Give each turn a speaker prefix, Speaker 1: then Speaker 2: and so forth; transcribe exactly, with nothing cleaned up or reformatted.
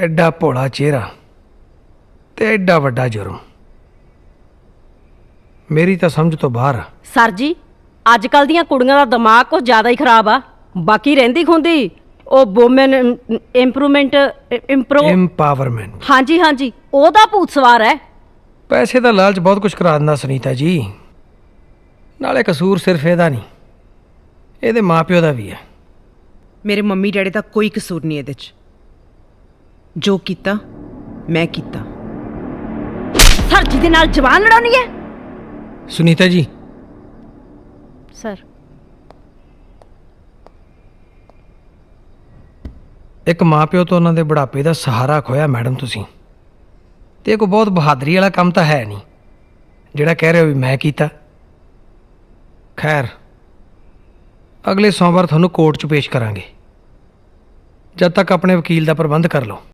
Speaker 1: ਐਡਾ ਭੋਲਾ ਚਿਹਰਾ ਤੇ ਐਡਾ ਵੱਡਾ ਜੁਰਮ ਮੇਰੀ ਤਾਂ ਸਮਝ ਤੋਂ ਬਾਹਰ ਆ।
Speaker 2: ਸਰ ਜੀ, ਅੱਜ ਕੱਲ ਦੀਆਂ ਕੁੜੀਆਂ ਦਾ ਦਿਮਾਗ ਕੁਝ ਜ਼ਿਆਦਾ ਹੀ ਖਰਾਬ ਆ। ਬਾਕੀ ਰਹਿੰਦੀ ਖੁੰਦੀ ਉਹ ਵੂਮਨ ਇੰਪਰੂਵਮੈਂਟ ਇੰਪਰੋ
Speaker 1: ਇੰਪਾਵਰਮੈਂਟ।
Speaker 2: ਹਾਂਜੀ ਹਾਂਜੀ, ਉਹਦਾ ਭੂਤ ਸਵਾਰ ਹੈ।
Speaker 1: ਪੈਸੇ ਦਾ ਲਾਲਚ ਬਹੁਤ ਕੁਝ ਕਰਾ ਦਿੰਦਾ ਸੁਨੀਤਾ ਜੀ। ਨਾਲੇ ਕਸੂਰ ਸਿਰਫ ਇਹਦਾ ਨਹੀਂ, ਇਹਦੇ ਮਾਪਿਓ ਦਾ ਵੀ ਹੈ।
Speaker 3: ਮੇਰੇ ਮੰਮੀ ਡੈਡੀ ਦਾ ਕੋਈ ਕਸੂਰ ਨਹੀਂ ਇਹਦੇ 'ਚ। ਜੋ ਕੀਤਾ ਮੈਂ ਕੀਤਾ।
Speaker 2: ਸਰ ਜੀ ਦੇ ਨਾਲ ਜਵਾਨ ਲੜਾਉਣੀ ਹੈ।
Speaker 1: ਸੁਨੀਤਾ ਜੀ,
Speaker 2: ਸਰ
Speaker 1: ਇੱਕ ਮਾਪਿਓ ਤੋਂ ਉਹਨਾਂ ਦੇ ਬੁਢਾਪੇ ਦਾ ਸਹਾਰਾ ਖੋਇਆ ਮੈਡਮ ਤੁਸੀਂ। ਤੇ ਇਹ ਕੋਈ ਬਹੁਤ ਬਹਾਦਰੀ ਵਾਲਾ ਕੰਮ ਤਾਂ ਹੈ ਨਹੀਂ ਜਿਹੜਾ ਕਹਿ ਰਹੇ ਹੋ ਵੀ ਮੈਂ ਕੀਤਾ। ਖੈਰ, ਅਗਲੇ ਸੋਮਵਾਰ ਤੁਹਾਨੂੰ ਕੋਰਟ 'ਚ ਪੇਸ਼ ਕਰਾਂਗੇ। ਜਦ ਤੱਕ ਆਪਣੇ ਵਕੀਲ ਦਾ ਪ੍ਰਬੰਧ ਕਰ ਲਓ।